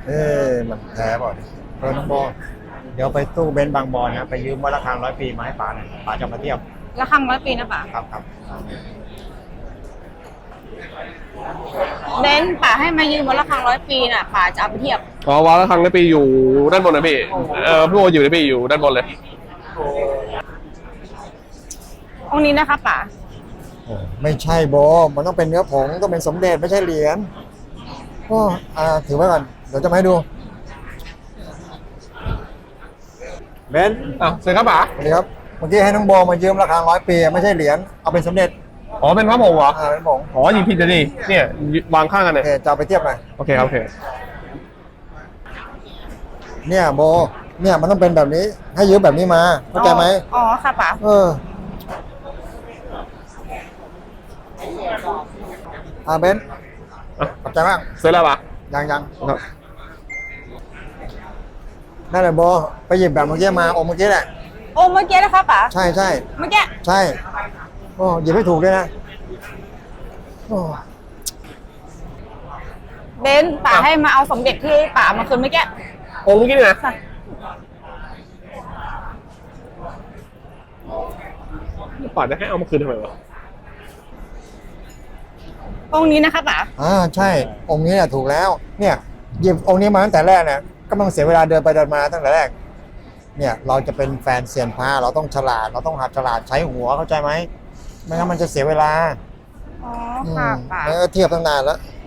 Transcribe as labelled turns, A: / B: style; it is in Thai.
A: มันแท้ป่ะน้องโบเดี๋ยวไปตู้เบนซ์บางบอนนะไปยืมวัดระฆัง100 ปีมาให้ป๋าหน่อยป๋าจะมาเทียบ
B: ระฆัง100 ปีนะป่า
A: ครับ
B: เบนซ์ป่าให้มายืมวัดระฆัง100 ปีน่ะป่าจะเอาไปเทียบ
C: อ๋อวัดระฆัง100 ปีอยู่ด้านบนนะพี่พี่โออยู่นะพี่อยู่ด้านบนเลย
B: องค์นี้นะคะป่า
A: ไม่ใช่โบมันต้องเป็นเนื้อผงต้องเป็นสมเด็จไม่ใช่เหรียญก็ถือไว้ก่อนเดี๋ยวจะมาให้ดูเบนซ์
C: เสร็จครับป๋า
A: สวัสดีครับเมื่อกี้ให้น้องโบมายืมระฆัง100 ปีไม่ใช่เหรียญเอาเป็นสมเด็จ
C: อ๋อเป็นพระผงเหรอ
A: เป็นผง
C: อ๋อยิงผิดเลยดิเนี่ยวางข้างกันเลย
A: จะไปเทียบหน่อย
C: โอเคครับโอเค
A: เนี่ยโบเนี่ยมันต้องเป็นแบบนี้ให้ยืมแบบนี้มาเข้าใจไหม
B: อ๋อค่ะป่า
A: เบนซ์ขอบใจมาก
C: เสร็จแล้วป่ะ
A: ยังนั่นแหละโบไปหยิบแบบเมื่อกี้มาองค์เมื่อกี้แหละ
B: เมื่อกี้นะคะป่า
A: ใช่
B: เมื่อกี้
A: ใช่หยิบให้ถูกด้วยนะ
B: เบนซ์ป่าให้มาเอาสมเด็จที่ป่ามาคืนเมื่อกี้
C: องค์เมื่อกี้เนี่ยนะป๋าจะให้เอามาคืนทำไมวะ
B: องค์นี้นะคะป่า
A: ใช่องค์นี้แหละถูกแล้วเนี่ยหยิบองค์นี้มาตั้งแต่แรกเนี่ยก็ไม่ต้องเสียเวลาเดินไปเดินมาตั้งแต่แรกเนี่ยเราจะเป็นแฟนเซียนพระเราต้องฉลาดเราต้องหัดฉลาดใช้หัวเข้าใจไหมไม่งั้นมันจะเสียเวลา
B: ค่ะป่า
A: เทียบตั้งนานแล้ว